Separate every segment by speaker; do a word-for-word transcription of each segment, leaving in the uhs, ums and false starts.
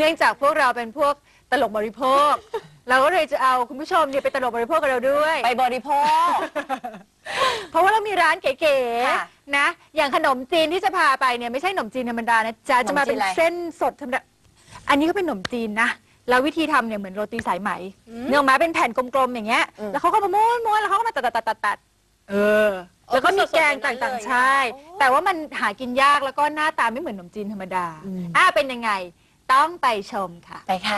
Speaker 1: นื่องจากพวกเราเป็นพวกตลกบริโภค เราก็เลยจะเอาคุณผู้ชมเนี่ยไปตลกบริโภคกับเราด้วย
Speaker 2: ไปบริโภค
Speaker 1: เพราะว่าเรามีร้านเก๋
Speaker 2: ค่ะ
Speaker 1: ๆนะอย่างขนมจีนที่จะพาไปเนี่ยไม่ใช่ขนมจีนธรรมดานะจ๊ะจะมาเป็นเส้นสดธรรมดาอันนี้ก็เป็นขนมจีนนะแล้ววิธีทำเนี่ยเหมือนโรตีสายไหมเนื้อมาเป็นแผ่นกลมๆอย่างเงี้ยแล้วเขาก็มาม้วนๆแล้วเขาก็มาตัดๆๆๆเออแล้วก็มีแกงต่างๆใช่แต่ว่ามันหากินยากแล้วก็หน้าตาไม่เหมือนขนมจีนธรรมดาอ่าเป็นยังไงต้องไปชมค่ะ
Speaker 2: ไปค่ะ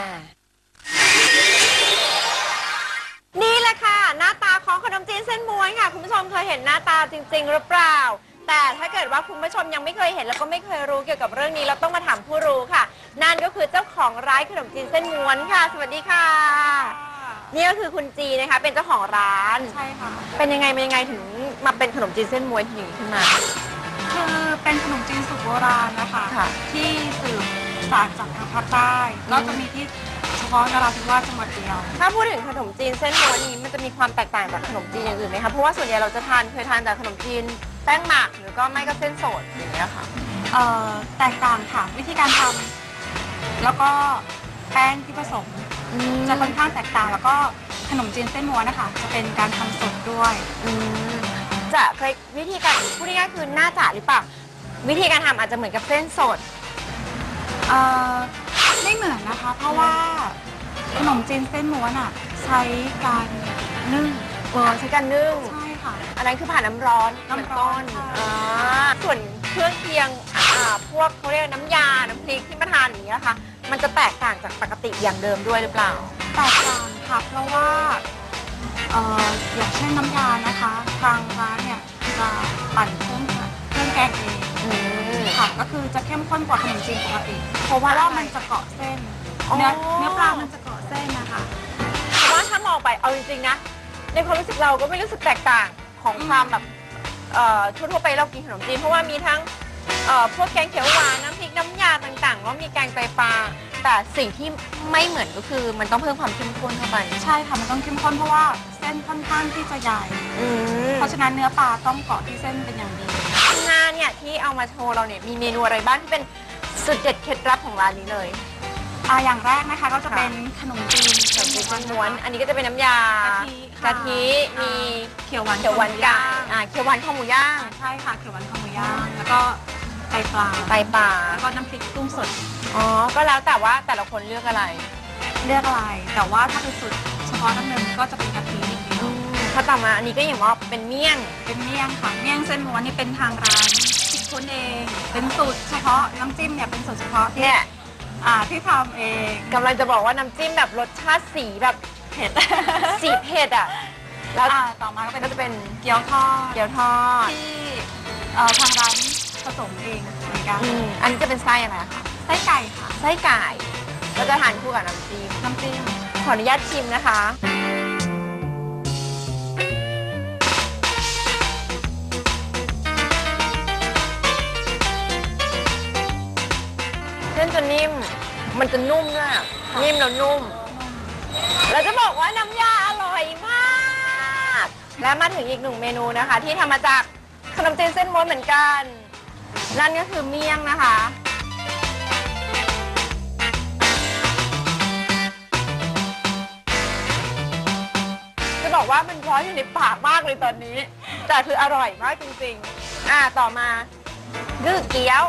Speaker 2: นี่แหละค่ะหน้าตาของขนมจีนเส้นม้วนค่ะคุณผู้ชมเคยเห็นหน้าตาจริงๆหรือเปล่าแต่ถ้าเกิดว่าคุณผู้ชมยังไม่เคยเห็นแล้วก็ไม่เคยรู้เกี่ยวกับเรื่องนี้เราต้องมาถามผู้รู้ค่ะนั่นก็คือเจ้าของร้านขนมจีนเส้นม้วนค่ะสวัสดีค่ะนี่ก็คือคุณจีนะคะเป็นเจ้าของร้าน
Speaker 3: ใช่ค่ะ
Speaker 2: เป็นยังไงเป็นยังไงถึงมาเป็นขนมจีนเส้นม้วนอย่างนี้ขึ้นมา
Speaker 3: คือเป็นขนมจีนสูตรโบราณนะคะที่สืบสานจากทางภาคใต้แล้วจะมีที่เฉพาะนราธิวาสจังหวัดเดียว
Speaker 2: ถ้าพูดถึงขนมจีนเส้นม้วนนี้มันจะมีความแตกต่างจากขนมจีนอย่างอื่นไหมคะเพราะว่าส่วนใหญ่เราจะทานเคยทานแต่ขนมจีนแป้งหมักหรือก็ไม่ก็เส้นสดอย่างเงี้ยค่ะ
Speaker 3: เอ่อแตกต่างค่ะวิธีการทำแล้วก็แป้งที่ผสมจะค่อนข้างแตกต่างแล้วก็ขนมจีนเส้นม้วนนะคะจะเป็นการทำสดด้วย
Speaker 2: จะเคยวิธีการพูดง่ายๆคือน่าจะหรือเปล่าวิธีการทำอาจจะเหมือนกับเส้นสด
Speaker 3: เอ่อไม่เหมือนนะคะเพราะว่าขนมจีนเส้นม้วนอ่ะใช้การนึ่ง
Speaker 2: เออใช้การนึ่ง
Speaker 3: ใช่ค่ะ
Speaker 2: อันนั้นคือผ่านน้ำร้อน
Speaker 3: น้ำร้อน
Speaker 2: ส่วนเครื่องเคียงพวกเขาเรียกน้ำยาน้ำพริกที่มาทานอย่างนี้นะคะมันจะแตกต่างจากปกติอย่างเดิมด้วยหรือเปล่า
Speaker 3: แตกต่างค่ะเพราะว่าเอ่ออย่างเช่นน้ำยานะคะทางร้านเนี่ยจะปั่นเครื่องเครื่องแกงเองค่ะก็คือจะเข้มข้นกว่าขนมจีนปกติเพราะว่ามันจะเกาะเส้นเนื้อเนื้อปลามันจะเกาะเส้นนะคะ
Speaker 2: เพราะว่าถ้ามองไปเอาจริงๆนะในความรู้สึกเราก็ไม่รู้สึกแตกต่างของความแบบทั่วๆไปเรากินขนมจีนเพราะว่ามีทั้งพวกแกงเขียวหวานน้ำพริกน้ำยาต่างๆแล้วมีแกงไตปลาแต่สิ่งที่ไม่เหมือนก็คือมันต้องเพิ่มความเข้มข้นเข้าไป
Speaker 3: ใช่ค่ะมันต้องเข้มข้นเพราะว่าเส้นค่อนข้างที่จะใหญ่เพราะฉะนั้นเนื้อปลาต้องเกาะที่เส้นเป็นอย่างดี
Speaker 2: งานเนี่ยที่เอามาโชว์เราเนี่ยมีเมนูอะไรบ้างที่เป็นสุดเด็ดเคล็ดลับของร้านนี้เลย
Speaker 3: อ่าอย่างแรกนะคะก็จะเป็นขนมจีน
Speaker 2: ขนมจีนเส้นม้วนอันนี้ก็จะเป็นน้ำยากะทิมี
Speaker 3: เขียวหวาน
Speaker 2: เขียวหวานไก่อ่าเขียวหวานข้าวหมูย่าง
Speaker 3: ใช่ค่ะเขียวหวานข้าวหมูย่างแล้วก็ไตปลา
Speaker 2: ไตปลา
Speaker 3: แล้วก็น้ำพริกกุ้งสด
Speaker 2: อ๋อก็แล้วแต่ว่าแต่ละคนเลือกอะไร
Speaker 3: เลือกอะไรแต่ว่าถ้าเป็นสูตรเฉพาะน้ำเนินก็จะเป็นกะทิอย่างเดียว
Speaker 2: ถ้าต่อมาอันนี้ก็อย่างว่าเป็นเมี่ยง
Speaker 3: เป็นเมี่ยงค่ะเมี่ยงเส้นม้วนนี่เป็นทางร้านคิดค้นเองเป็นสูตรเฉพาะน้ำจิ้มเนี่ยเป็นสูตรเฉพาะ
Speaker 2: เนี่ย
Speaker 3: อ่าที่ทำเอง
Speaker 2: กำลังจะบอกว่าน้ำจิ้มแบบรสชาติสีแบบเผ็ดสีเผ็ดอ่ะ
Speaker 3: แล้วต่อมาก็จะเป็นเกี๊ยวทอด
Speaker 2: เกี๊ยวทอด
Speaker 3: ที่ทางร้านผสมเองเหมือนกัน
Speaker 2: อันนี้จะเป็นไส้อะไรคะ
Speaker 3: ไส้ไก่ค่ะ
Speaker 2: ไส้ไก่เราจะทานคู่กับน้ำจิ้ม
Speaker 3: น้ำจิ้ม
Speaker 2: ขออนุญาตชิมนะคะเส้นจะนิ่มมันจะนุ่มด้วยนิ่มแล้วนุ่มเราจะบอกว่าน้ำยาอร่อยมากและมาถึงอีกหนึ่งเมนูนะคะที่ทำมาจากขนมจีนเส้นม้วนเหมือนกันนั่นก็คือเมี่ยงนะคะจะบอกว่ามันร้อนอยู่ในปากมากเลยตอนนี้แต่คืออร่อยมากจริงๆอ่าต่อมาคือเกี๊ยว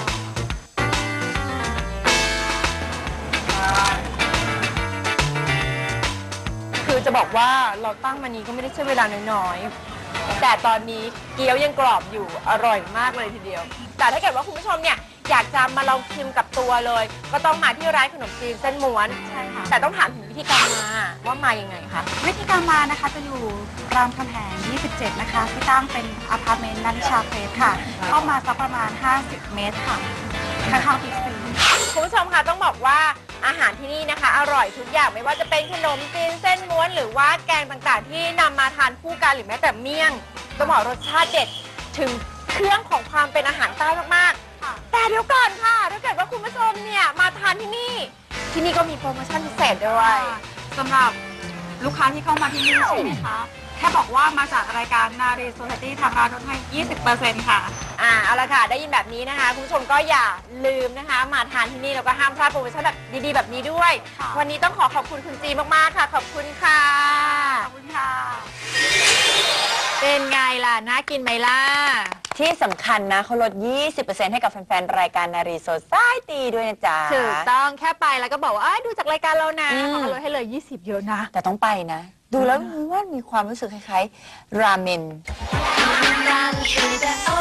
Speaker 2: คือจะบอกว่าเราตั้งมานี้ก็ไม่ได้ใช้เวลาน้อยๆแต่ตอนนี้เกี๊ยวยังกรอบอยู่อร่อยมากเลยทีเดียวแต่ถ้าเกิดว่าคุณผู้ชมเนี่ยอยากจะมาลองชิมกับตัวเลยก็ต้องมาที่ร้านขนมจีนเส้นม้วน
Speaker 3: ใช่ค่ะ
Speaker 2: แต่ต้องถามถึงวิธีการมาว่ามายังไงคะ
Speaker 3: วิธีการมานะคะจะอยู่รามคำแหงยี่สิบเจ็ดนะคะที่ตั้งเป็นอพาร์ตเมนต์นันชาเพลสค่ะเข้ามาสักประมาณห้าสิบเมตรค่ะข้างๆบิ๊กซี
Speaker 2: คุณผู้ชมคะต้องบอกว่าอาหารที่นี่นะคะอร่อยทุกอย่างไม่ว่าจะเป็นขนมจีนเส้นม้วนหรือว่าแกงต่างๆที่นำมาทานคู่กันหรือแม้แต่เมี่ยงต้องบอกรสชาติเด็ดถึงเครื่องของความเป็นอาหารใต้มากๆแต่เดี๋ยวก่อนค่ะถ้าเกิดว่าคุณผู้ชมเนี่ยมาทานที่นี่ที่นี่ก็มีโปรโมชั่นพิเศษด้วย
Speaker 3: สำหรับลูกค้าที่เข้ามาที่นี่ใช่ไหมคะแค่บอกว่ามาจากรายการนารีโซ i ตี้ทางร้านลดให้ ยี่สิบเปอร์เซ็นต์ ค่ะ
Speaker 2: อ่าเอาละค่ะได้ยินแบบนี้นะคะคุณผู้ชมก็อย่าลืมนะคะ มาทานที่นี่แล้วก็ห้ามพลาดโปรโมชั่นแบบดีๆแบบนี้ด้วย
Speaker 3: ค่ะ
Speaker 2: วันนี้ต้องขอขอบคุณคุณจีมากๆค่ะ ขอบคุณค่ะ
Speaker 3: ขอบคุณค่ะ
Speaker 1: เป็นไงล่ะน่ากินไหมล่ะ
Speaker 4: ที่สำคัญนะเขาลด ยี่สิบเปอร์เซ็นต์ ให้กับแฟนๆ รายการนารีโซซายตีด้วยนะจ๊ะ
Speaker 1: ถูกต้องแค่ไปแล้วก็บอกว่าเอ้ยดูจากรายการเรานะ
Speaker 4: อืม
Speaker 1: เขาก็ลดให้เลยยี่สิบเยอะนะ
Speaker 4: แต่ต้องไปนะ ดูแล้วว่ามีความรู้สึกคล้ายๆ ราเมน
Speaker 5: Run through the